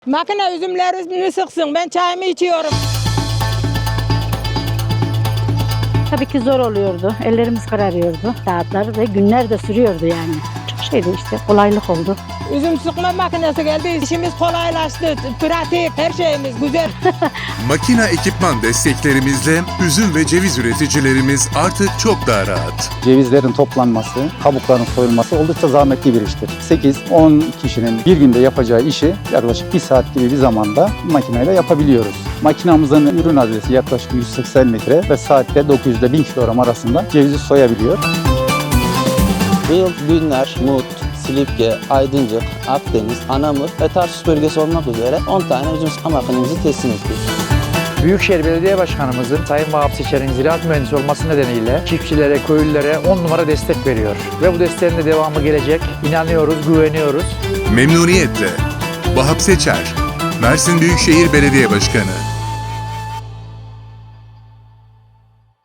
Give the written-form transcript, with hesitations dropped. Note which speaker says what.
Speaker 1: Makine üzümlerimi sıksın, ben çayımı içiyorum.
Speaker 2: Tabii ki zor oluyordu. Ellerimiz kararıyordu. Saatler ve günler de sürüyordu yani. Çok şeydi işte. Kolaylık oldu.
Speaker 1: Üzüm sıkma makinesi geldi, işimiz kolaylaştı, pratik, her şeyimiz güzel.
Speaker 3: Makina ekipman desteklerimizle üzüm ve ceviz üreticilerimiz artık çok daha rahat.
Speaker 4: Cevizlerin toplanması, kabukların soyulması oldukça zahmetli bir iştir. 8-10 kişinin bir günde yapacağı işi yaklaşık 1 saat gibi bir zamanda makineyle yapabiliyoruz. Makinamızın ürün adresi yaklaşık 180 litre ve saatte 900 ile 1000 kilogram arasında cevizi soyabiliyor.
Speaker 5: Bu yıl Günler, Mut, Silifke, Aydıncık, Akdeniz, Anamur ve Tarsus bölgesi olmak üzere 10 tane üzüm sıkma makinemizi teslim ettik.
Speaker 6: Büyükşehir Belediye Başkanımızın Sayın Vahap Seçer'in ziraat mühendisi olması nedeniyle çiftçilere, köylülere 10 numara destek veriyor. Ve bu desteğin de devamı gelecek. İnanıyoruz, güveniyoruz.
Speaker 3: Memnuniyetle. Vahap Seçer, Mersin Büyükşehir Belediye Başkanı.